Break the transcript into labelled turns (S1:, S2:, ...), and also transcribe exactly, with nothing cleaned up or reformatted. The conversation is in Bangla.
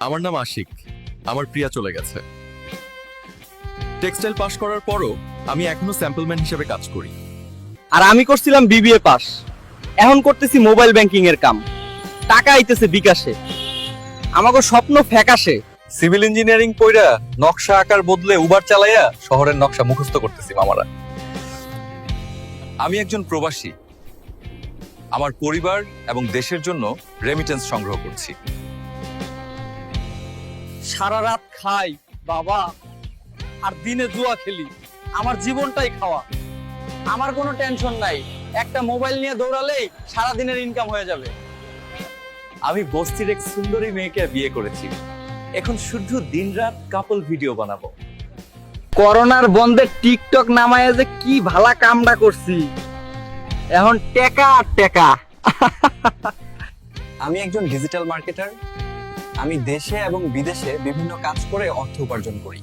S1: আমার নাম আশিক। আমার প্রিয়া চলে গেছে। টেক্সটাইল পাশ করার পরও আমি এখনো স্যাম্পলম্যান হিসেবে কাজ করি।
S2: আর আমি করছিলাম বিবিএ পাস, এখন করতেছি মোবাইল ব্যাংকিং এর কাম। টাকা আইতেছে বিকাশে, আমাকে স্বপ্ন ফ্যাকাশে।
S1: সিভিল ইঞ্জিনিয়ারিং পড়া নকশা আকার বদলে উবার চালাইয়া শহরের নকশা মুখস্থ করতেছি মামারা। আমি একজন প্রবাসী। আমার পরিবার এবং দেশের জন্য রেমিটেন্স সংগ্রহ করছি।
S2: সারা রাত খাই বাবা, আর দিনে জুয়া খেলি। আমার জীবনটাই খাওয়া। আমার কোনো টেনশন নাই, একটা মোবাইল নিয়ে দৌড়ালেই সারা দিনের ইনকাম হয়ে যাবে।
S1: আমি বস্তির এক সুন্দরী মেয়েকে বিয়ে করেছি। এখন শুধু দিনরাত কাপল ভিডিও বানাবো।
S2: করোনার বন্ধে টিকটক নামায় যে কি ভালা কামটা করছি, এখন টেকা আর টেকা।
S1: আমি একজন ডিজিটাল মার্কেটার। আমি দেশে এবং বিদেশে বিভিন্ন কাজ করে অর্থ উপার্জন করি।